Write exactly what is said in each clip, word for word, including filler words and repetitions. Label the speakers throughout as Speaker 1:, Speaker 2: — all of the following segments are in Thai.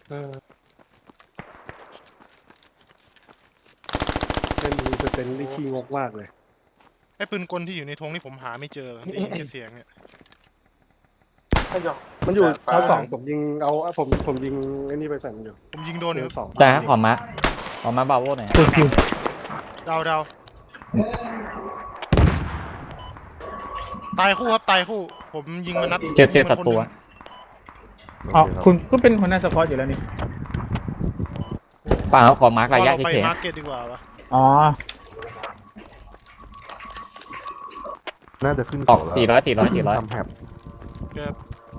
Speaker 1: เออเป็นมีสเตนที่ขี้งกมากเลย
Speaker 2: ไอ้ปืนกลที่อยู่ในธงนี่ผมหาไม่เจอได้ยินแค่เสียงเนี่ย
Speaker 3: ถ้ายอง
Speaker 1: มันอยู่
Speaker 3: จานฟ้า
Speaker 1: ชั้นสองผมยิงเอาผมผมยิงไอ้นี่ไปใส่มันอยู่
Speaker 2: ผมยิงโดนอยู่
Speaker 1: ชั้นสอง
Speaker 4: จ้าขอมาขอมาบาโวหน่อย
Speaker 5: คือคือ
Speaker 2: ดาวดาวตายคู่ครับตายคู่ ผมยิงมันนัด
Speaker 4: เจอเจอศัตรู
Speaker 5: อ๋อคุณก็เป็นหัวหน้าสควอตอยู่แล้วนี่
Speaker 4: ป่าขอมาร์กระยะ
Speaker 2: เราไป
Speaker 4: เฉย
Speaker 2: มาร์เก็ตดีกว่าวะ
Speaker 5: อ๋อ
Speaker 6: น่าจะขึ้น
Speaker 4: ๆออกสี่ร้อยสี่ร้อยสี่ร้อย
Speaker 6: ทำแฮบ
Speaker 2: เกือบ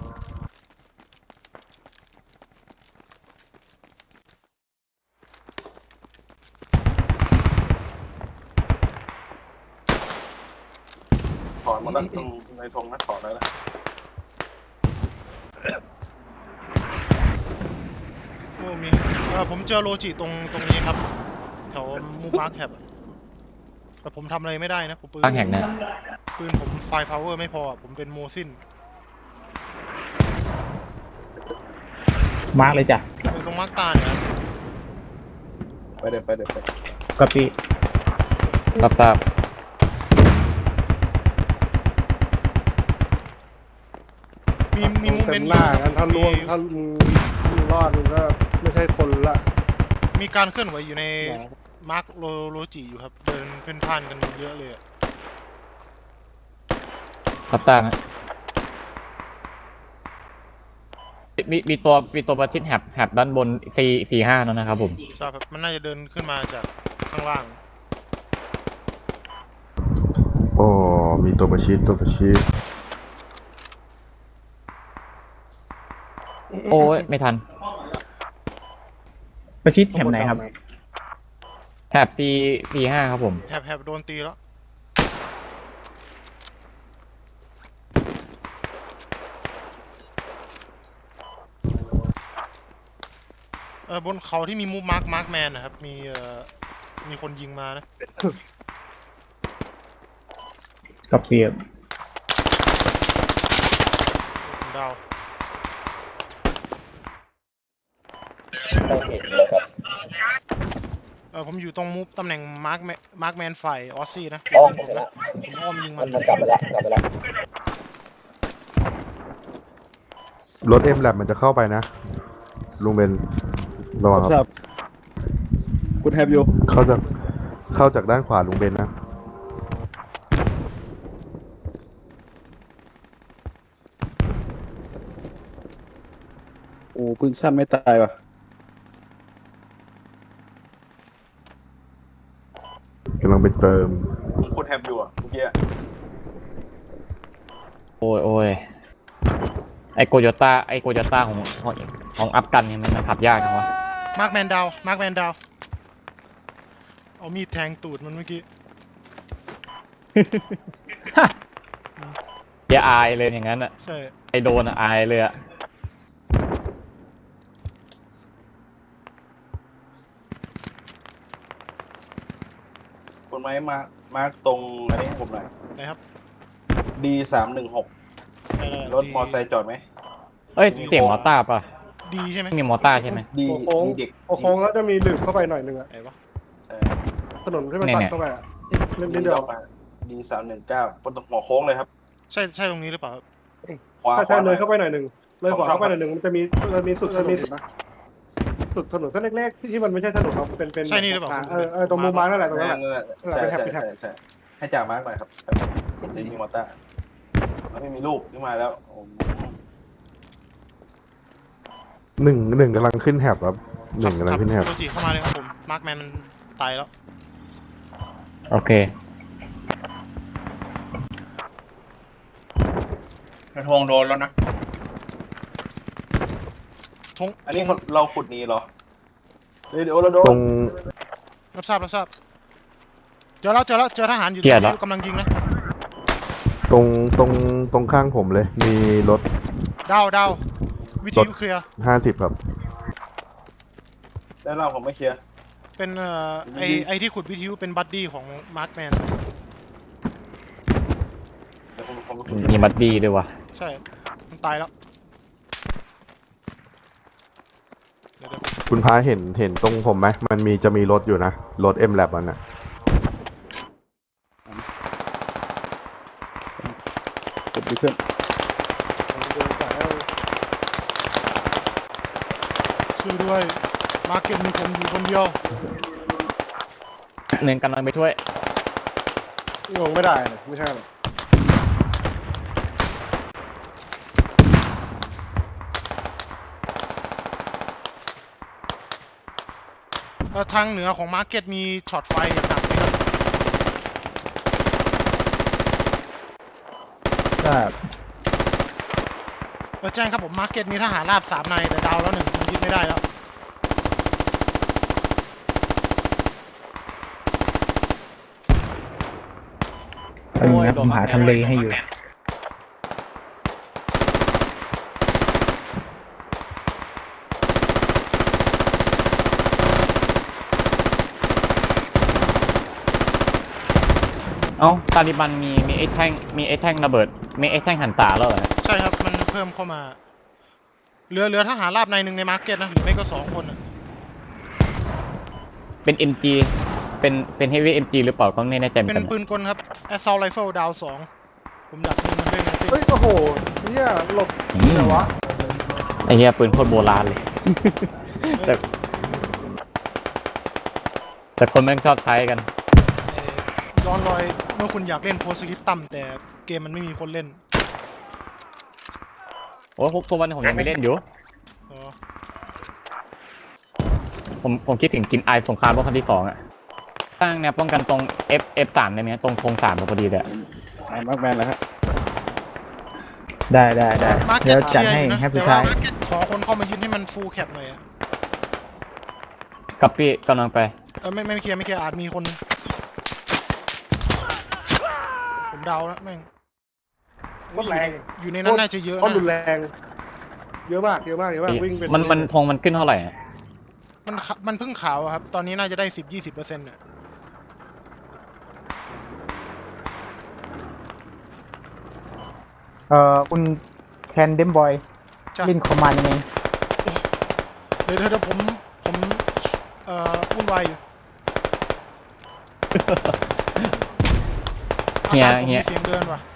Speaker 3: ถอนหมดแล้วตรงในธงนะถอนแล้วนะ
Speaker 2: โอ้มีเออผมเจอโลจิตรงตรงนี้ครับแถวมูมาร์คแคปแต่ผมทำอะไรไม่ได้นะผมปืน
Speaker 4: ตั้งแห่งเนี่ย
Speaker 2: ปืนผมไฟพาวเวอร์ไม่พอผมเป็นโมซิน
Speaker 5: มาร์กเลยจ้ะ
Speaker 2: อยู่ตรงมาร์คตาเนี่ยครับ
Speaker 3: ไปเด็ดไปเด็ดไป
Speaker 5: กะปิ
Speaker 4: รับทราบ
Speaker 2: มีมีมูเม
Speaker 1: เต็
Speaker 2: น
Speaker 1: ม
Speaker 2: ต์
Speaker 1: หน้ากันถ้า
Speaker 2: มี
Speaker 1: ล่วงถ้ามึงมึงรอดมึงก็ไม่ใช่คนละ
Speaker 2: มีการเคลื่อนไหวอยู่ในมาร์คโลโลจิอยู่ครับเดินเพ่นพ่านกันเยอะเลยอะ
Speaker 4: รับทราบฮะมีมีตัวมีตัวประชิดแฮบแฮบด้านบนสี่สี่ห้านั่นนะครับผม
Speaker 2: ใช่ครับมันน่าจะเดินขึ้นมาจากข้างล่าง
Speaker 6: โอ้มีตัวประชิดตัวประชิด
Speaker 4: โอ้ยไม่ทัน
Speaker 5: ประชิดแหมไหนครับ
Speaker 4: แฮบสี่สี่ห้าครับผม
Speaker 2: แหบแหบโดนตีแล้วเออบนเขาที่มีมูฟมาร์คมาร์คแมนนะครับมีเอ่อมีคนยิงมานะ
Speaker 5: กะปิ
Speaker 2: ดาวเออผมอยู่ตรงมูฟตำแหน่งมาร์คมาร์คแมนฝ่ายออสซี่นะผมผมนะผมอ้อมยิงมัน
Speaker 6: รถเอ็มแลบมันจะเข้าไปนะลุงเบนระวังครับ
Speaker 1: คุณแฮปอยู่
Speaker 6: เข้าจากเข้าจากด้านขวาลุงเบนนะ
Speaker 1: โอ้ปืนสั้นไม่ตายว่ะ
Speaker 6: กำลังไปเติม
Speaker 3: ผมกดแฮบอยู่อ่ะเมื่อกี้
Speaker 4: โอ้ยโอ้ยไอโกโยต้าไอโกโยต้าของของของอัพกันเนี่ยมันมันขับยากจังวะ
Speaker 2: มาร์คแมนดาวมาร์คแมนดาวเอามีดแทงตูดมันเมื่อกี้
Speaker 4: เดี๋ยวอายเลยอย่างนั้นอ่ะ
Speaker 2: ใช่
Speaker 4: ไอโดนอะอายเลยอ่ะ
Speaker 3: คนไม้มามาร์กตรงอันนี้ให้ผมหน่อย
Speaker 2: นะครับ
Speaker 3: ดีสามหนึ่งหก
Speaker 2: ได้ได้
Speaker 3: รถมอไซค์จอดไหม
Speaker 4: เอ้ยเสียงมอต้าป่ะ
Speaker 2: ดีใช่ไหม
Speaker 4: ไม่มีมอต้าใช่ไหม
Speaker 3: ดี
Speaker 1: โค้ง
Speaker 3: ดีเด็ก
Speaker 1: โค้งแล้วจะมีหลืบเข้าไปหน่อยนึงอะ
Speaker 2: ไหนวะ
Speaker 3: เออ
Speaker 1: ถนนที่มันตัดเข้าไปอะเล่น
Speaker 3: ดี
Speaker 1: นิดเดี
Speaker 3: เดี
Speaker 1: ย
Speaker 3: ยว วมาดีสามหนึ่งเก้าบนตรงหัวโค้งเลยครับ
Speaker 2: ใช่ใช่ตรงนี้หรือเปล่าครับ
Speaker 3: ขวา
Speaker 1: ถ้า
Speaker 3: ข
Speaker 1: ใช่
Speaker 3: วาห
Speaker 1: เล
Speaker 3: น่อย ย
Speaker 1: เข้าไปหน่อยหนึ่งเลยขวาเข้าไปหน่อยหนึ่งมันจะมีจะมีสุดจะมีสุดนะสุดถนนเส้นเล็กๆที่ที่มันไม่ใช่ถนนเราเป็นเป็น
Speaker 2: ใช่นี่หรือเปล่า
Speaker 1: เออเออตรงมุมมานั่นแหละตรงนั้นแหละ
Speaker 3: นั่นแหละ
Speaker 1: เออ
Speaker 3: ใช่
Speaker 1: ไปแฮป
Speaker 3: ใช่
Speaker 1: ไปแฮป
Speaker 3: ใช่ใช่ให้จ่ามาร์กหน่อยครับผมจะยิงมอเตอร์แล้วไม่มีลูกขึ้นมาแล้วโอ้โห
Speaker 6: หนึ่งหนึ่งกำลังขึ้นแฮบครับหนึ่งกำลังขึ้นแฮบ
Speaker 2: โลจิเข้ามาเลยครับผมมาร์คแมนมันตายแล้ว
Speaker 4: โอเค
Speaker 7: กระทงโดนแล้วนะ
Speaker 2: ทง
Speaker 3: อันนี้เราขุดหนี้เหรอเดี๋ยวเดี๋ยวเราโด
Speaker 6: ตร
Speaker 3: น
Speaker 6: ง
Speaker 2: รับทราบรับทราบเจอแล้วเจอแล้วเจอทหารอยู่
Speaker 4: เกลียดละ
Speaker 2: ที่กำลังยิงนะ
Speaker 6: ตรงตรงตรงข้างผมเลย มีรถ
Speaker 2: ดาวดาววิทยุเคลียร์
Speaker 6: ห้าสิบครับ
Speaker 3: ได้เล่าผมไม่เคลียร์
Speaker 2: เป็นเอ่อไอไอที่ขุดวิทยุเป็นบัดดี้ของมาร์คแมน
Speaker 3: เดี๋ยวผมผมขุด
Speaker 4: มีบัดดี้ด้วยวะ
Speaker 2: ใช่มันตายแล้วเ
Speaker 6: คุณพาเห็นเห็นตรงผมไหมมันมีจะมีรถอยู่นะรถ เอ็ม แลบ มันอะ
Speaker 8: กดดีขึ้น
Speaker 2: ช่วยด้วยมาร์เก็ตมีผมอยู่คนเดียว
Speaker 4: เน้นกำลังไปช่วย
Speaker 1: งงไม่ได้เลยไม่ใช่หรอก
Speaker 2: เอ่อทางเหนือของมาร์เก็ตมีช็อตไฟอย่างหนักเลยครับ
Speaker 5: ครับ
Speaker 2: เออแจ้งครับผมมาร์เก็ตมีทหารราบสามนายแต่ดาวแล้วหนึ่งมันยึดไม่ได้แล้ว
Speaker 5: ตอนนี้ผมหาทำเลให้อยู่
Speaker 4: เอ้าตาลิบันมีมีไอ้แท่งมีไอ้แท่งระเบิดมีไอ้แท่งหันษาแล้วเหรอ
Speaker 2: ใช่ครับมันเพิ่มเข้ามาเหลือเหลือทหารราบนายหนึ่งในมาร์เก็ตนะหรือไม่ก็สองคนอะ
Speaker 4: เป็น เอ็ม จี เป็นเป็นเฮฟวี่ เอ็ม จี หรือเปล่าก็ไม่แน่ใจเหมือ
Speaker 2: เป็น น
Speaker 4: กัน
Speaker 2: ปืนกลครับ Assault Rifle ดาวสองผมดักยิงมันด้วยนะสิ
Speaker 1: เฮ้ยโอ้โหเนี่ยหลบ
Speaker 4: อืม
Speaker 1: เดี๋ยววะ
Speaker 4: ไอ้เหี้ยปืนโคตรโบราณเลย แต่แต่คนแม่งชอบใช้กัน
Speaker 2: เอ่อย้อนรอยเมื่อคุณอยากเล่นโพสกิปต่ำแต่เกมมันไม่มีคนเล่น
Speaker 4: โอ้พวกตัววันนี้ผมยังไม่เล่นอยู่
Speaker 2: อ๋อ
Speaker 4: ผมผมคิดถึงกินไอสงครามโลกครั้งที่สองอะตั้งแนวป้องกันตรง F F สามได้ไหมตรงธงสามพอดีเลยอะ
Speaker 8: มาร์คแมนแล้วฮะ
Speaker 5: ได้ได้ได้
Speaker 2: มาร์เก็
Speaker 5: เดี๋ย
Speaker 2: ต
Speaker 5: ว
Speaker 2: เค
Speaker 5: จัด
Speaker 2: ลียร์
Speaker 5: ให้
Speaker 2: อยู่นะ
Speaker 5: ให้ผู้
Speaker 2: แต่ว่า
Speaker 5: ชาย
Speaker 2: ขอคนเข้ามายืนให้มันฟูลแคปหน่อยอะ
Speaker 4: กับพี่กำลังไป
Speaker 2: เออไม่ไม่เคลียร์ไม่เคลียร์อาจมีคนผมเดาแล้วแม่ง
Speaker 1: โคตรแรง
Speaker 2: อยู่ในนั้นน่าจะเยอะ
Speaker 1: โคตรรุน
Speaker 2: นะ
Speaker 1: แรงเยอะมากเยอะมากเยอะมากวิ่งเป็น
Speaker 4: มันมันธงมันขึ้นเท่าไหร่อะ
Speaker 2: มันขะมันเพิ่งขาวอะครับตอนนี้น่าจะได้สิบยี่สิบเปอร์เซ็นต์เนี่ย
Speaker 5: เอ่อคุณแคนเดมบอย
Speaker 2: จ้ะ
Speaker 5: เล่นคอมมานด์ยังไง
Speaker 2: เดี๋ยวเดี๋ยวเดี๋ยวผมผมเอ่อวุ่นวายอยู่อา
Speaker 4: เฮีย
Speaker 2: คารผม
Speaker 4: เฮี
Speaker 2: มี
Speaker 4: ย
Speaker 2: เสียงเดินว่ะ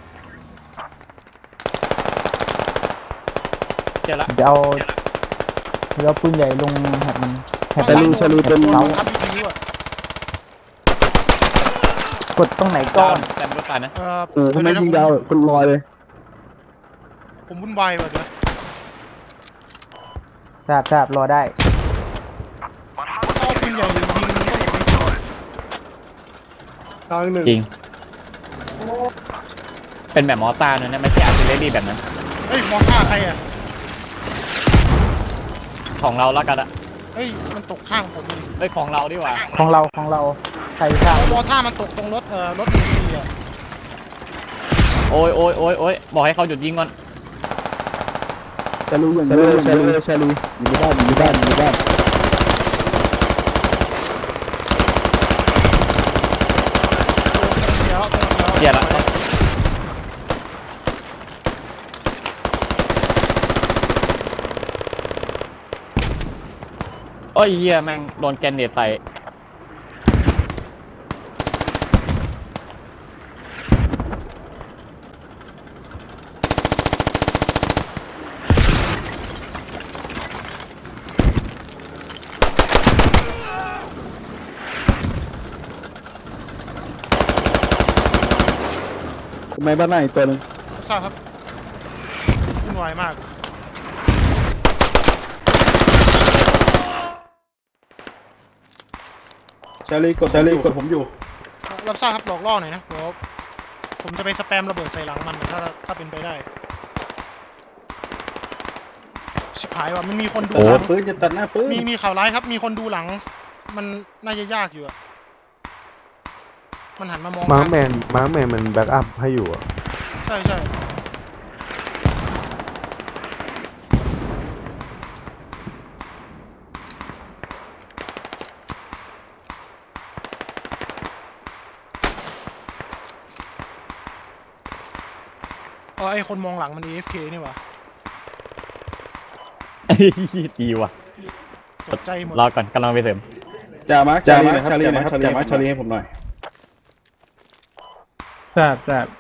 Speaker 4: เจอละ
Speaker 5: เดี๋ยวเอาเดี๋ยวเอาปืนใหญ่ลงแฮปมันแฮป
Speaker 2: อา
Speaker 5: มัน
Speaker 2: คารผม
Speaker 5: เป็น
Speaker 2: โดน
Speaker 5: เสา
Speaker 2: บังคับวิทยุอะ
Speaker 5: กดตรงไหน
Speaker 4: ก่
Speaker 5: ก่
Speaker 4: อ
Speaker 5: อน น
Speaker 4: แต่ไม่รู้ตายนะ
Speaker 2: เอ่อ
Speaker 8: โอ้ทำไม
Speaker 2: เดี๋ยว
Speaker 8: ยิง
Speaker 2: เดี๋
Speaker 8: ยา
Speaker 2: ยว ว
Speaker 8: คนลอยเลย
Speaker 2: ผมผมวุ่นวายว่ะเดี๋ยว
Speaker 5: ทราบทราบรอได้
Speaker 2: เอาปืนใหญ่ยิงยิงมันก็หลบไม่ทัน
Speaker 1: ทางหนึ่ง
Speaker 4: จริง เป็นแบบมอต้าเนี่ยนะไม่ใช่อาร์ติเลอรี่แบบนั้น
Speaker 2: เฮ้ยมองท่าใครอะ
Speaker 4: ของเราแล้วกันอะ
Speaker 2: เฮ้ยมันตกข้างผมเลย
Speaker 4: เอ้ยของเราดีกว่า
Speaker 5: ของเราของเราใครทราบ
Speaker 2: มองท่ามันตกตรงรถเอ่อรถหนึ่งสี่อะ
Speaker 4: โอ้ยโอ้ยโอ้ยโอ้ยบอกให้เขาหยุดยิงก่อน
Speaker 8: ชาลูอย่างเดียวชาลูชาลูอยู่ในบ้านอยู่ในบ้านอยู่ในบ้าน
Speaker 2: เสียแล้วเสียแล้ว
Speaker 4: เสียละโอ้ยเหี้ยแม่งโดนแกนเนตใส่
Speaker 8: ทำไมบ้านหน้าอีกตัวหนึง
Speaker 2: ทราบครับวุ่นวายมาก
Speaker 8: ชาลีกดชาลีกดผมอยู่
Speaker 2: เอ่อรับทราบครับหลอกล่อหน่อยนะเดี๋ยวผมจะไปสแปมระเบิดใส่หลังมันถ้าถ้าเป็นไปได้ชิบหายว่ะมันมีคนดู
Speaker 8: โอ้
Speaker 2: หลัง
Speaker 8: ปืนจะตัดหน้าปืน
Speaker 2: มีมีข่าวร้ายครับมีคนดูหลัง มันน่าจะยากอยู่อะมันหันมามอง
Speaker 6: มาร์คแมนมาร์คแมนมันแบ็กอัพให้อยู่อะ
Speaker 2: ใช่ใช่เออไอคนมองหลังมัน เอ เอฟ เค นี่หว่า
Speaker 4: ดีว่ะ
Speaker 2: ใจตกใจหมด
Speaker 4: รอก่อนกำลังไปเสริม
Speaker 3: จ่ามาร์คจ่ามาร์คชาลีนะครับจ่ามาร์คชาลีให้ผมหน่อย
Speaker 5: ทราบทราบ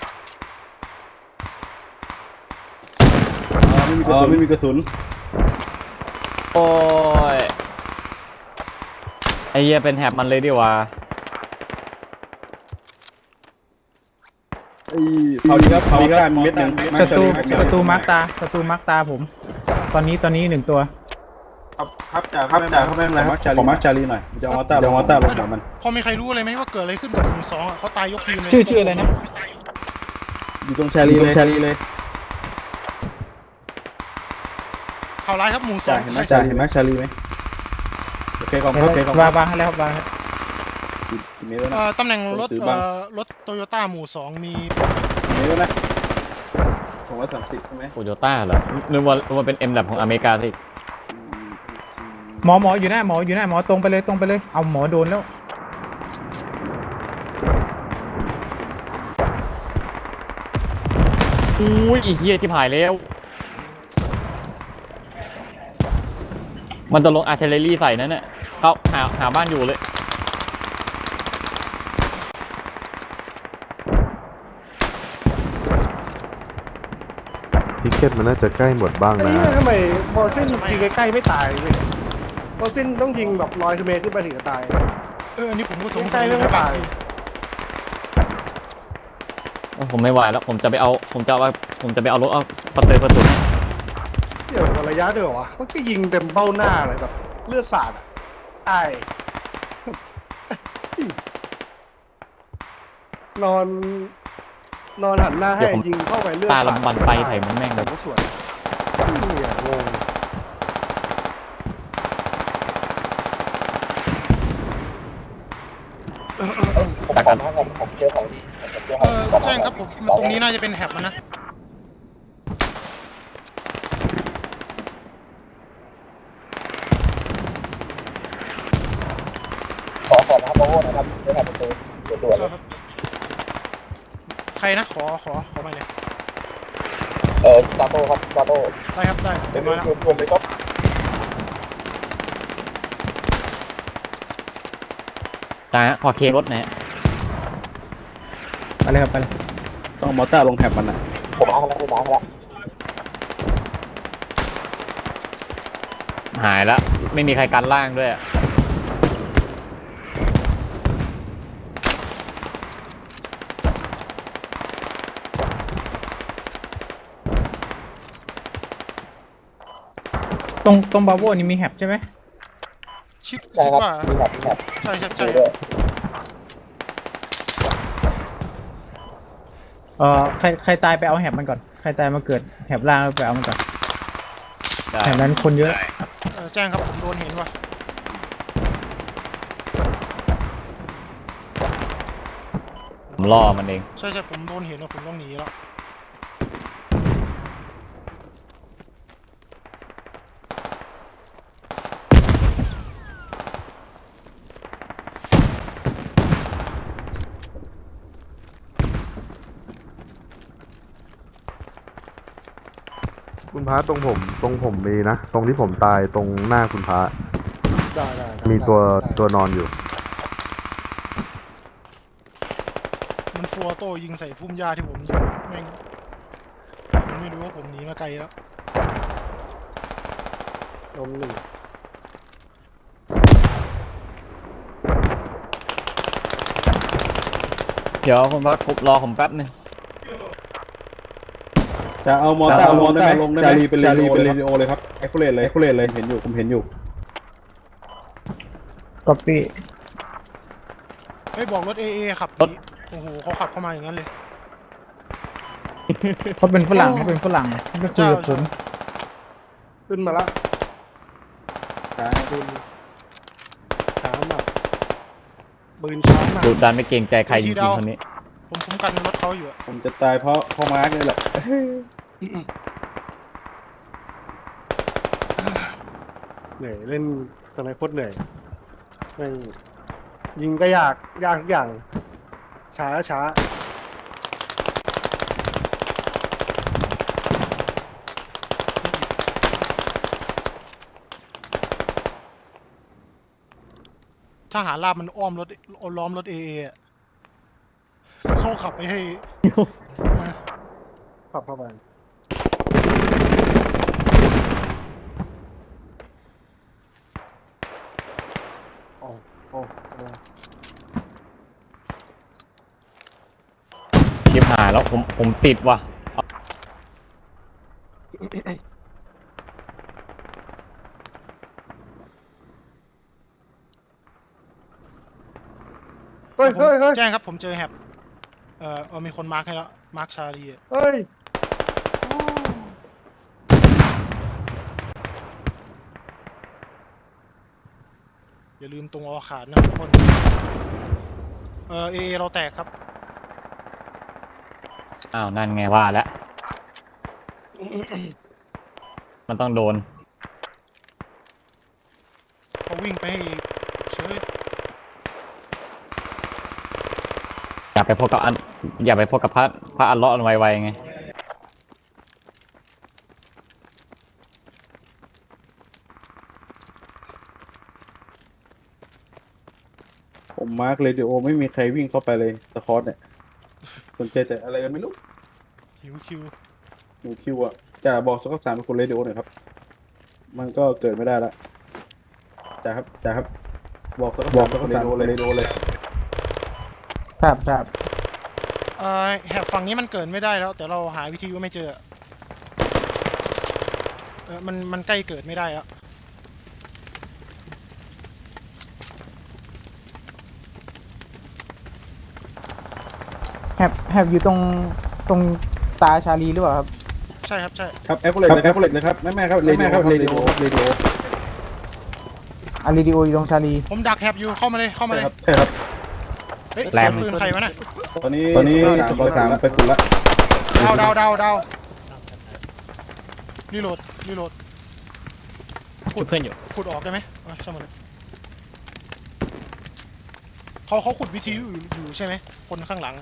Speaker 3: อ๋อไม่มีกระสุน
Speaker 4: โอ้ยไอเหี้ยเป็นแถบมันเลยดีกว่า
Speaker 3: ไอ้เอาดีครับเอาดีครับเม็ดหนึ่ง
Speaker 5: ศัตรูศัตรูมาร์กตาศัตรูมาร์กตาผม ตอนนี้ตอนนี้หนึ่งตัว
Speaker 3: ครับครับจ่าครับจ่าครับแม่นครับขอมาร์คชาลีหน่อยจะเอามอต้าเอามอต้าลงหัวมัน
Speaker 2: พอมีใครรู้อะไรไหมว่าเกิดอะไรขึ้นกับหมู่สองอ่ะเขาตายยกทีมเลย
Speaker 5: ชื่อชื่ออะไรนะ
Speaker 3: อยู่ตรงชาลีเลยชาลีเลย
Speaker 2: ข่าวร้ายครับหมู่สอ
Speaker 3: จ่าง เห็นไหมจ่าเห็นไหมชาลีไหมโอเคขอบคุณโอเคขอบคุณ
Speaker 5: วางวางให้แล้วครับวางให้
Speaker 3: กี่เมตรแล้ว
Speaker 2: เอ่
Speaker 3: นะ
Speaker 2: อตำแหน่งรถ
Speaker 3: ซื้อ
Speaker 2: เอ่
Speaker 3: บ้าง
Speaker 2: อรถโตโยต้าหมู่สองมี
Speaker 3: กี่เมตรแล้วนะสองร้อยสามสิบใช่ไหม
Speaker 4: โตโยต้าเหรอนึกว่านึกว่าเป็นเอ็มแบบของอเมริกาสิ
Speaker 5: หมอหมออยู่หน้าหมออยู่หน้าหมอตรงไปเลยตรงไปเลยเอาหมอโดนแล้ว
Speaker 4: อุ้ยไอ้เหี้ยที่ผายแล้ว มันจะลงอาร์เทเลรี่ใส่นั่นน่ะเขาหาหาบ้านอยู่เลย
Speaker 6: ทิกเก็ตมันน่าจะใกล้หมดบ้าง
Speaker 1: ไอ้
Speaker 6: นะ
Speaker 1: เนี่ยทำไมมอร์ซินยิงใกล้ๆไม่ตายเลยมอร์ซินต้องยิงแบบร้อยเมตรขึ้นไปถึงจะตาย
Speaker 2: เอออันนี้ผมก็สง
Speaker 1: ยิง
Speaker 2: สั
Speaker 1: ใกล้
Speaker 2: ย
Speaker 1: ไม่
Speaker 2: นะบาง
Speaker 1: ตาย
Speaker 2: ที
Speaker 4: ผมไม่ไหวแล้วผมจะไปเอาผมจะเอาผมจะไปเอารถเอาประตูประตู
Speaker 1: เดี๋ยวระยะเดียววะมันก็ยิงเต็มเบ้าหน้าเลยแบบเลือดสาดอ่ะตายนอน นอนหันหน้าให้ยิงเข้าไปเลือด
Speaker 4: ตา
Speaker 1: สาด
Speaker 4: ลำบันไฟใส่มันแม่งแบบ
Speaker 1: ก็สวยเนี่ยงง
Speaker 4: ตากัน
Speaker 2: เออแจ้งครับผมมันตรงนี้น่าจะเป็นแฮบมันนะ
Speaker 8: ขอขอนะครับโอ้นะครับเจ้าหน้าประตูด่วน
Speaker 2: ใช่ครับใครนะขอขอขอมาเลย
Speaker 8: เออตาโต้ครับตาโต้
Speaker 2: ได้ครับได้
Speaker 8: เป็
Speaker 2: เรี
Speaker 8: น
Speaker 2: ยบร้อยแล้ว
Speaker 8: รวมเลยครับ
Speaker 4: ตาขอเครถหนะ
Speaker 5: ไปเลยครับไปเลย
Speaker 3: ต้องมอต้าลงแถบมันอ่ะ
Speaker 8: ผมเอาแล้วผมเอาแล้ว
Speaker 4: หายแล้วไม่มีใครกันล่างด้วยอะ
Speaker 5: ตรงตรงบาโวนี่มีแฮปใช่ไหม
Speaker 2: คิด
Speaker 8: ใช่
Speaker 2: คิด
Speaker 8: ครับ
Speaker 2: ว่า
Speaker 8: มีแบบมีแบบ
Speaker 2: ใช่ใช่ใช่
Speaker 8: ด้วย
Speaker 5: เอ่อใครใครตายไปเอาแฮปมันก่อนใครตายมาเกิดแฮปล่างแล้วไปเอามันก่อน
Speaker 4: ได้
Speaker 5: แฮปนั้นคนเยอะ
Speaker 2: เออแจ้งครับผมโดนเห็นว่ะ
Speaker 4: ผมล่อมันเอง
Speaker 2: ใช่ใช่ผมโดนเห็นว่าผมต้องหนีแล้ว
Speaker 6: คุณพระตรงผมตรงผมมีนะ ตรงที่ผมตายตรงหน้าคุณพระ
Speaker 1: ได้ได้ได้
Speaker 6: มีตัว
Speaker 1: ได้
Speaker 6: ตัวนอนอยู่
Speaker 2: มันฟัวโต้ยิงใส่พุ่มหญ้าที่ผมอยู่แม่งมันไม่รู้ว่าผมหนีมาไกลแล้ว
Speaker 1: ลมหนึ่ง
Speaker 4: เดี๋ยวคุณพักรอผมแป๊บนึง
Speaker 3: จะเอามอต้าลงได้ไหมชาลีเป็นเรดิโอเป็นเรดิโอเลยครับเอ็กโคเลตเลยเอ็กโคเลตเลยเห็นอยู่ผมเห็นอยู่
Speaker 5: ก๊อปปี้
Speaker 2: เฮ้ยบอกรถเอเอขับหนีโอ้โหเขาขับเข้ามาอย่างนั้นเลย
Speaker 5: เขาเป็นฝรั่งเขาเป็นฝรั่งเขาไปคุยกับผม
Speaker 1: ขึ้นมาละ
Speaker 3: ช้า
Speaker 1: ปืนช้ามากปืนช้ามาก
Speaker 4: ดูดันไม่เกรงใจใครจริงๆคนนี้
Speaker 2: ผมคุ้มกันรถเขาอยู่อะ
Speaker 3: ผมจะตายเพราะเพราะมาร์กนี่แหละ
Speaker 1: เหนื่อยเล่นตอนไหนโคตรเหนื่อยแม่งยิงก็ยากยากทุกอย่าง ช้าช้า
Speaker 2: ทหารราบมันอ้อมรถล้อมรถเอเออะเขาขับไปให้
Speaker 1: ขับเข้าไปโอ้โอ้โอ้
Speaker 4: ชิบหายแล้วผมผมติดว่ะ
Speaker 1: เฮ้ยเฮ้ยเฮ้ย
Speaker 2: แจ้งครับผมเจอแฮบเอ่อเออมีคนมาร์คให้แล้วมาร์คชาลีอะ
Speaker 1: เฮ้ย
Speaker 2: อย่าลืมตรงออขาดนะทุกคนเออเอเอเราแตกครับ
Speaker 4: อ้าวนั่นไงว่าแล้ว มันต้องโดน
Speaker 2: เขาวิ่งไปให้เฉย
Speaker 4: อย่าไปพบกับอันอย่าไปพบกับพระพระอัลเลาะห์ไวๆไง
Speaker 3: ผมมาร์กเรดิโอไม่มีใครวิ่งเข้าไปเลยสคอตเนี่ยสนใจแต่อะไรกันไม่รู้
Speaker 2: หิวคิว
Speaker 3: หนูคิวอ่ะจะบอกสกอตสามเป็นคนเรดิโอหน่อยครับ มันก็เกิดไม่ได้ละจ่าครับจ่าครับ บอกสกอตสามเป็นคนเรดิโอเลยเรดิโอเลย
Speaker 5: ทราบทราบ
Speaker 2: เอ่อแฮบฝั่งนี้มันเกิดไม่ได้แล้ว แต่เราหาวิธีว่าไม่เจอเออมันมันใกล้เกิดไม่ได้แล้ว
Speaker 5: แฮบแฮบอยู่ตรงตรงตาชาลีหรือเปล่าครับ
Speaker 2: ใช่ครับใช่
Speaker 3: ครับแอปเปิลเลยครับแอปเปิลเลยครับแม่แม่ครับเรดิโอครับเรดิโอครับเรดิโอ
Speaker 5: อารีดิโออยู่ตรงชาลี
Speaker 2: ผมดักแฮบอยู่เข้ามาเลยเข้ามา
Speaker 3: ใช่
Speaker 2: เลย
Speaker 3: ครับใช่ครับ
Speaker 2: เฮ้ย
Speaker 4: แร
Speaker 2: เสีย
Speaker 4: ม
Speaker 2: งปืนใครวะน่ะ
Speaker 3: ตอนนี้ตอนนี้สกอตสามไปขุดละ
Speaker 2: ดาวดาวดาวดาวรีโหลดรีโหลด
Speaker 4: ชุบเพื่อนอยู่
Speaker 2: ขุดออกได้ไหมอ่ะช่างมันเลยเขาเขาขุดวิทยุอยู่อยู่ใช่ไหมคนข้างหลัง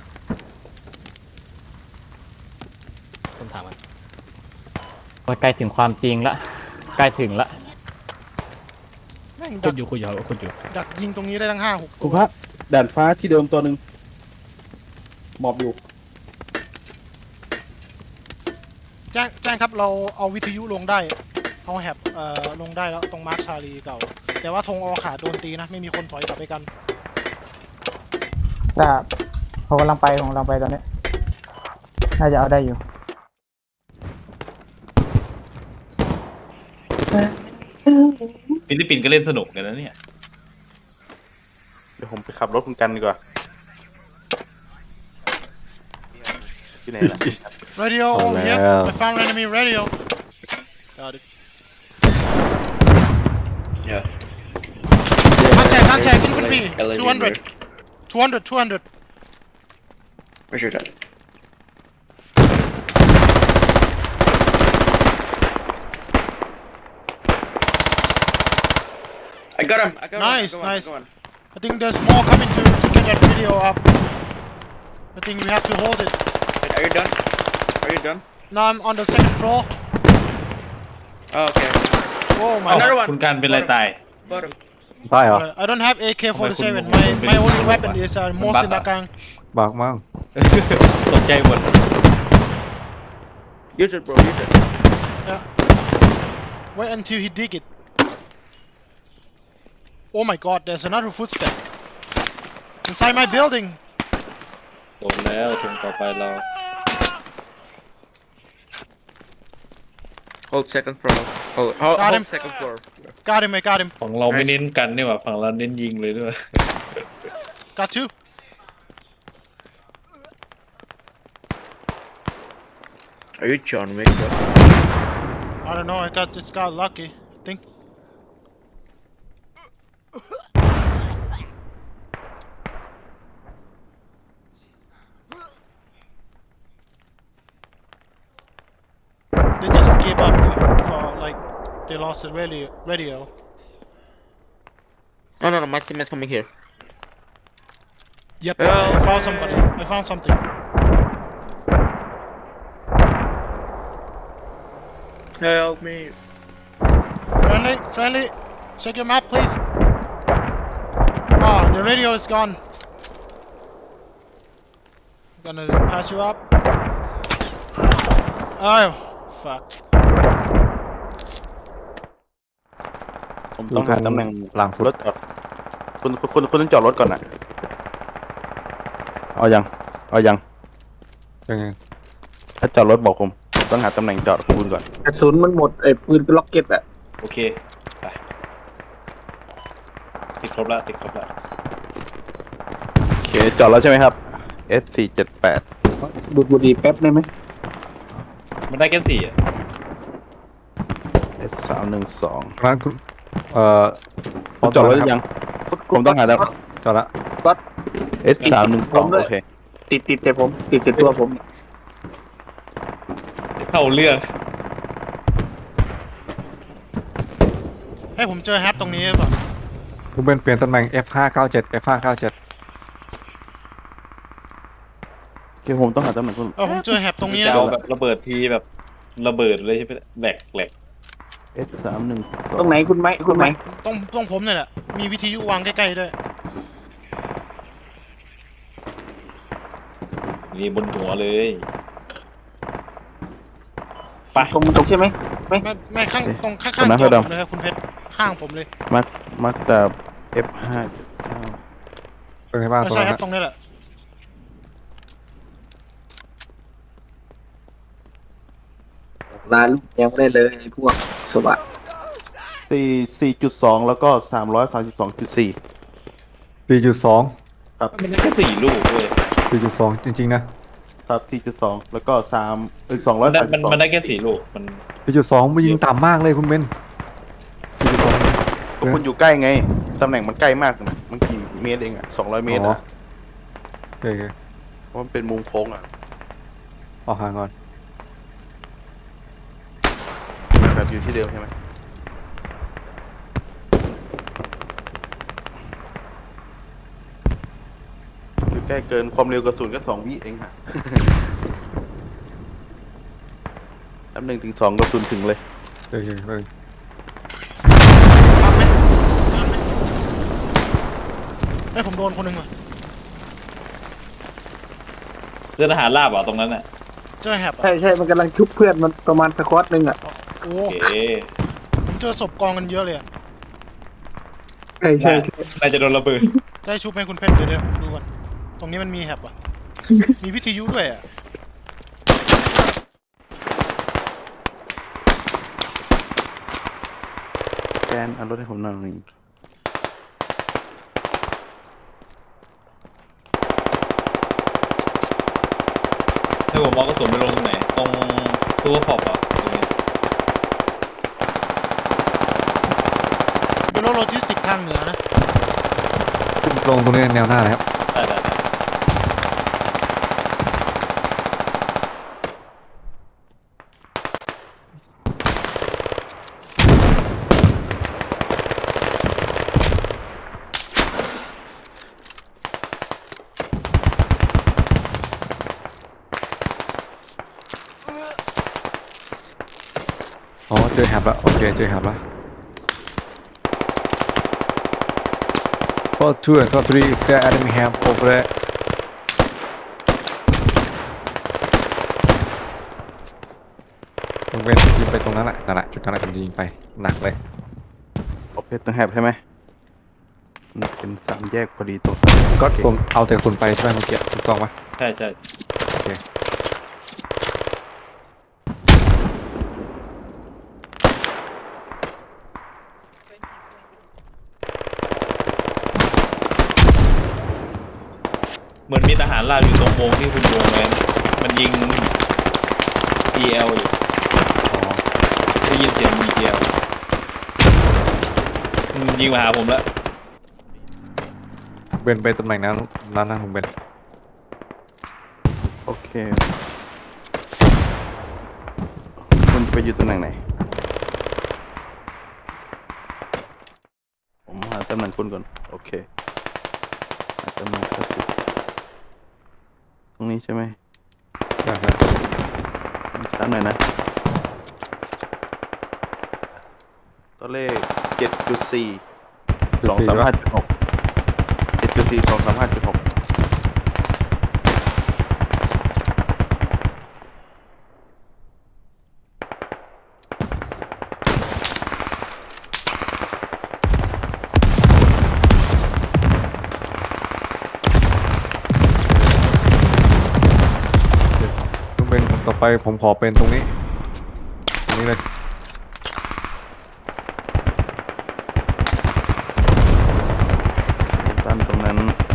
Speaker 9: ผมถามมัน
Speaker 4: ใกล้ถึงความจริงละใกล้ถึงละ
Speaker 2: แม่ง
Speaker 9: คุ
Speaker 2: ดั
Speaker 9: ด
Speaker 2: ก
Speaker 9: อยู่คุดอยู่คุดอยู่
Speaker 2: ดักยิงตรงนี้ได้ทั้งห้าหก
Speaker 3: คุณพระด่านฟ้าที่เดิมตัวหนึ่งหมอบอยู่
Speaker 2: แจ้งแจ้งครับเราเอาวิทยุลงได้เอาแฮบเอ่อลงได้แล้วตรงมาร์คชาลีเก่า แต่ว่าธงออขาดโดนตีนะไม่มีคนถอยกลับไปกัน
Speaker 5: ทราบผมกำลังไปผมกำลังไปตอนนี้ น่าจะเอาได้อยู่
Speaker 7: ฟิลิปปินส์ก็เล่นสนุกกันนะเนี่ย
Speaker 6: เดี๋ยวผมไปขับรถคุณกันดีกว่าที่ไหนล่ะ
Speaker 2: radio
Speaker 6: เอา
Speaker 2: over here
Speaker 6: แล้ว
Speaker 2: I found enemy radio got it
Speaker 9: yeah
Speaker 2: contact contact infantry
Speaker 9: L A
Speaker 2: two hundred two hundred two hundred
Speaker 9: where's your dad I got him I got
Speaker 2: Nice,
Speaker 9: him I got
Speaker 2: nice.
Speaker 9: one, I got one.
Speaker 2: I think there's more coming to, to get that video up I think we have to hold it
Speaker 9: Wait, are you done are you done
Speaker 2: now I'm on the second floor
Speaker 9: oh okay
Speaker 2: oh my
Speaker 9: Another
Speaker 2: god
Speaker 9: one
Speaker 7: คุณการเป็นไรตาย
Speaker 9: bottom
Speaker 6: ได้เหรอ
Speaker 2: I don't have A K forty-seven
Speaker 7: ทำไม
Speaker 2: my
Speaker 7: คุณ
Speaker 2: my only
Speaker 7: เป็น
Speaker 2: weapon is uh,
Speaker 7: มัน
Speaker 2: most
Speaker 7: บั๊ก
Speaker 2: in
Speaker 7: เหรอ
Speaker 2: Nakang
Speaker 6: บากมั้ง
Speaker 7: ตกใจหมด
Speaker 9: use it bro use it
Speaker 2: yeah wait until he dig it oh my god there's another footstep inside my building
Speaker 7: ตกแล้วตรงต่อไปเรา
Speaker 9: hold second floor hold hold,
Speaker 2: Got
Speaker 9: hold
Speaker 2: him.
Speaker 9: second floor
Speaker 2: got him I got him
Speaker 7: ฝั่งเราไม่เน้นกันนี่หว่าฝั่งเราเน้นยิงเลยด้วย
Speaker 2: got two
Speaker 9: are you John Wick bro
Speaker 2: I don't know I got just got lucky I think they just gave up for like they lost the radio radio
Speaker 9: no no no my teammate's coming here
Speaker 2: yep
Speaker 9: Help
Speaker 2: I found somebody I found something
Speaker 9: help me
Speaker 2: friendly friendly check your map please The radio is gone. I'm gonna patch you up. Oh, fuck.
Speaker 3: ผมต้องหาตำแหน่ง
Speaker 6: หลังสุด
Speaker 3: รถจอดคุณคุณคุณต้องจอดรถก่อนนะเอายังเอายัง
Speaker 6: ยังไง
Speaker 3: ถ้าจอดรถบอกผมต้องหาตำแหน่งจอดคุณก่อน
Speaker 8: กระสุนมันหมดไอ้ปืนล็อกเก็ตอะ
Speaker 7: โอเคไปติดครบแล้วติดครบแล้ว
Speaker 3: โอเคจอดแล้วใช่ไหมครับ เอส สี่เจ็ดแปด
Speaker 8: ดูดบุหรี่แป๊บได้ไหม
Speaker 7: มันได้แค่สี่อ่ะ
Speaker 3: เอส สามหนึ่งสอง
Speaker 6: ร้านคุณเอ่อ
Speaker 3: คุณจอดรถหรือยังผมต้องหาตำ
Speaker 6: จอดละ
Speaker 3: เอส สามหนึ่งสองโอเค
Speaker 8: ติดติดแต่ผมติดแต่ตัวผม
Speaker 7: เข้าเรื่อง
Speaker 2: ให้ผมเจอแฮปตรงนี้หรือเปล่า
Speaker 6: คุณเบนเปลี่ยนตำแหน่ง เอฟ ห้าเก้าเจ็ด เอฟ ห้าเก้าเจ็ด
Speaker 3: โอเคผมต้องหาตำแหน่งคุณ
Speaker 2: เออผมเจอแฮปตรงนี้
Speaker 7: จะ
Speaker 2: นะ
Speaker 7: เอาแบบระเบิดทีแบบระเบิดเลยใช่ไหมแหลกแหลก
Speaker 3: เอส สามหนึ่งสอง
Speaker 8: ตรงไหนคุณไหมคุณไหม
Speaker 2: ตรงตรงผมเนี่ยแหละ มีวิทยุวางใกล้ๆด้วย
Speaker 7: นี่บนหัวเลยไป
Speaker 8: ตรงตรงใช่ไหม
Speaker 2: ไม่ไม่ข้างตรงข้างๆตัวผมเลยครับคุณเพชรข้างผมเลย
Speaker 3: มักมักดาบ เอฟ ห้าเจ็ดเก้า
Speaker 6: เป็นไงบ้าง
Speaker 2: เออ
Speaker 6: ตรง
Speaker 2: ใช่
Speaker 6: นั้น
Speaker 2: ครับตรงนี้แหละ
Speaker 8: ร้านยังไม่ได้เลยไอ้พวกสวัสด
Speaker 3: สี่ สี่จุดสองแล้วก็สามร้อยสามสิบสองจุดสี่
Speaker 6: สี่จุดสอง
Speaker 7: มันได้แค่สี่ลูกเลย
Speaker 6: สี่จุดสองจริงๆนะครับ
Speaker 3: สี่จุดสองแล้วก็สามเออสองร้
Speaker 7: มั
Speaker 3: อย
Speaker 7: นได้
Speaker 3: สามสิ
Speaker 7: มัน
Speaker 3: บสอง
Speaker 7: มันได้แค่สี่ลูกมัน
Speaker 6: สี่จุดสองมันยิงต่ำมากเลยคุณเบนสี่จุดสอง
Speaker 3: ก็คุณอยู่ใกล้ไงตำแหน่งมันใกล้มากนะมันกี่เมตรเองอ่ะสองร้อยเมตร
Speaker 6: อ๋อ
Speaker 3: นะ
Speaker 6: โอเคโอเค
Speaker 3: เพราะมันเป็นมุมโค้งอ่ะ
Speaker 6: ออกห่างก่อน
Speaker 3: แบบอยู่ที่เดิมใช่ไหมอยู่ใกล้เกินความเร็วกระสุนก็สองวิเองค่ะ นับหนึ่งถึงสองกระสุนถึงเลย
Speaker 6: โอเคโอเค
Speaker 2: ตามไหมตามไหมเฮ้ยผมโดนคนหนึ่งว่ะ
Speaker 7: เรือทหารราบเหรอตรงนั้นอ่ะ
Speaker 2: เจอแฮปอะ
Speaker 8: ใช่ใช่มันกำลังชุบเพื่อนมันประมาณสควอตหนึ่งอะ
Speaker 2: โอ้
Speaker 7: โอเค
Speaker 2: ผมเจอศพกองกันเยอะเลยอะ
Speaker 8: ใช่ใช่ใช่
Speaker 7: น่าจะโดนระเบิด
Speaker 2: จะให้ชุบไหมคุณเพชรเดี๋ยวเดี๋ยวดูก่อนตรงนี้มันมีแฮปอ่ะ มีวิทยุด้วยอ่ะ
Speaker 3: แกนเอารถให้ผมหน่อย
Speaker 7: ให้ผมมองกระสุนไปลงตรงไหนตรงตัวขอบอ่ะตรงนี้
Speaker 2: เป็นรถโลจิสติกทางเหนือนะ
Speaker 6: ขึ้นตรงตรงนี้แนวหน้าเลยครับ
Speaker 7: ได้ได้ได้
Speaker 6: อ๋อเจอแฮบแล้วโอเคเจอแฮบแล้ว Call two and call three is there enemy have over there คุณเบนยิงไปตรงนั้นแหละนั่นแหละจุดนั้นแหละผมจะยิงไปหนักเลย
Speaker 3: โอเคต้องแฮบใช่ไหมมันเป็นสามแยกพอดีตรง
Speaker 6: ก็ส่งเอาแต่กระสุนไปใช่ไหมเมื่อกี้ถูกต้องปะ
Speaker 7: ใช่ใช่
Speaker 6: โอเค
Speaker 7: เหมือนมีทหารราบอยู่ตรงวงที่คุณวงเลยนะมันยิง อี แอล อยู่
Speaker 6: อ๋อ
Speaker 7: ได้ยินเสียง อี แอล มันยิงมาหาผมแล้ว
Speaker 6: เบนไปตำแหน่งนั้นนั้นนะผมเบน
Speaker 3: โอเคคุณไปอยู่ตำแหน่งไหนผมหาตำแหน่งคุณก่อนโอเคหาตำแหน่งคลาสสิกตรงนี้ใช่ไหม
Speaker 6: ได้ครับ
Speaker 3: ช้าหน่อยนะตัวเลขเจ็ดจุดสี่สองสามห้าจุดหกเจ็ดสี่สองสามห้าเจ็ดหก
Speaker 6: ต้องเป็นต่อไปผมขอเป็นตรงนี้ตรงนี้เลย
Speaker 3: ตั้นตรงนั้น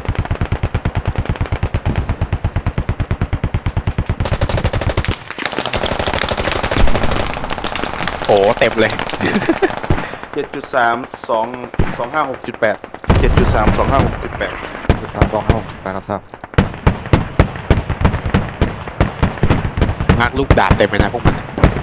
Speaker 9: โอ้เต็มเลย
Speaker 3: เจ็ดจุดสามสองสองห้าหกจุดแปดเจ็ดจุดสามสองห้าหกจุดแปด
Speaker 6: สามสองห้าหกแปดรับทราบ
Speaker 9: มาร์กลูกดาบเต็มเลยนะพวกมัน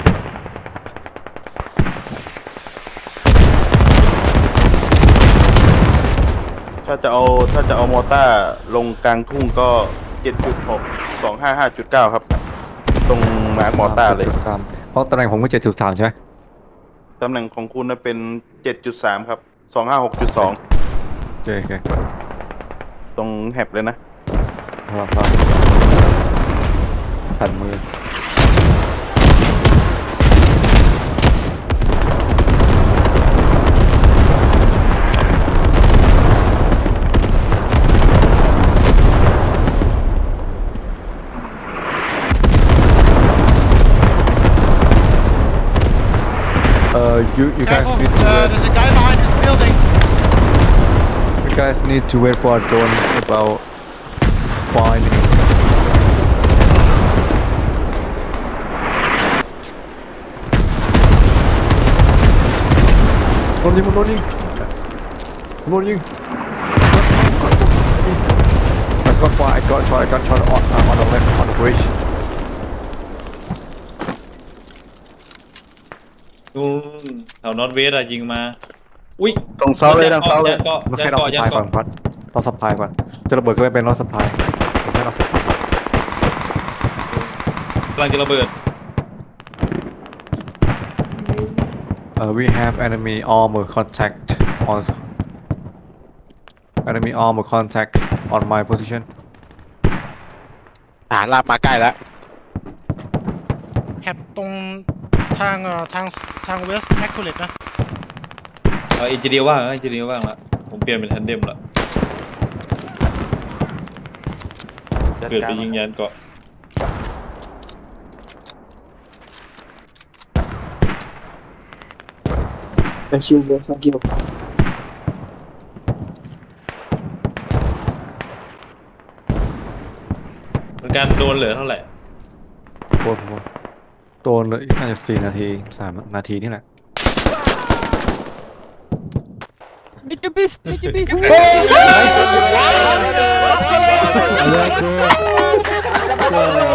Speaker 3: ถ้าจะเอาถ้าจะเอามอต้าลงกลางทุ่งก็เจ็ดจุดหกสองห้าห้าจุดเก้าครับ ตรงมาร์กมอต้าเลย
Speaker 6: จ็ดจุดสามเพราะตำแหน่งผมก็เจ็ดจุดสามใช่ไหม
Speaker 3: ตำแหน่งของคุณนะเป็นเจ็ดจุดสามครับสองห้าหกจุดสอง
Speaker 6: โอเคโอเค
Speaker 3: ตรงแฮบเลยนะ
Speaker 6: ครับครับผันมือ Uh, you you guys
Speaker 2: Careful,
Speaker 6: need to
Speaker 2: uh,
Speaker 6: wait.
Speaker 2: there's a guy behind this building.
Speaker 6: You guys need to wait for a drone about five minutes. Loading, loading, loading. I got fire. I got shot. I got shot on, uh, on the left on the bridge.
Speaker 7: นู่นแถวนอตเวสอะยิงมา อุ้ย
Speaker 3: ตรงเสาเลยทางเสาเลย
Speaker 7: ยันเกาะ
Speaker 6: เรา
Speaker 7: ยั
Speaker 6: แค่
Speaker 7: น
Speaker 6: เรา
Speaker 7: เกาะ
Speaker 6: ส
Speaker 7: ยัน
Speaker 6: ปายก่อ
Speaker 7: เกาะ
Speaker 6: นพัดเราสปายก่อนจะระเบิดก็ไม่เป็นเราสปายเราแค่เราสปาย
Speaker 7: กำลังจะระเบิด
Speaker 6: Uh, we have enemy armor contact on enemy armor contact on my position.
Speaker 9: ทหารราบมาใกล้แล้ว
Speaker 2: แฮบตรงทางเอ่อทางทางเวสต์แอคคูเลตนะ
Speaker 7: เอาอินจิเนียร์ว่างนะอินจิเนียร์ว่างละผมเปลี่ยนเป็นทันเดมละเกิดไปยิงยันเกาะ
Speaker 8: Thank you bro thank you
Speaker 7: เป็นการโดนเหลือเท่าไหร่
Speaker 6: โคตรโคตรโดนเลยน่าจะสี่นาทีสามนาทีนี่แหละ
Speaker 5: Nice.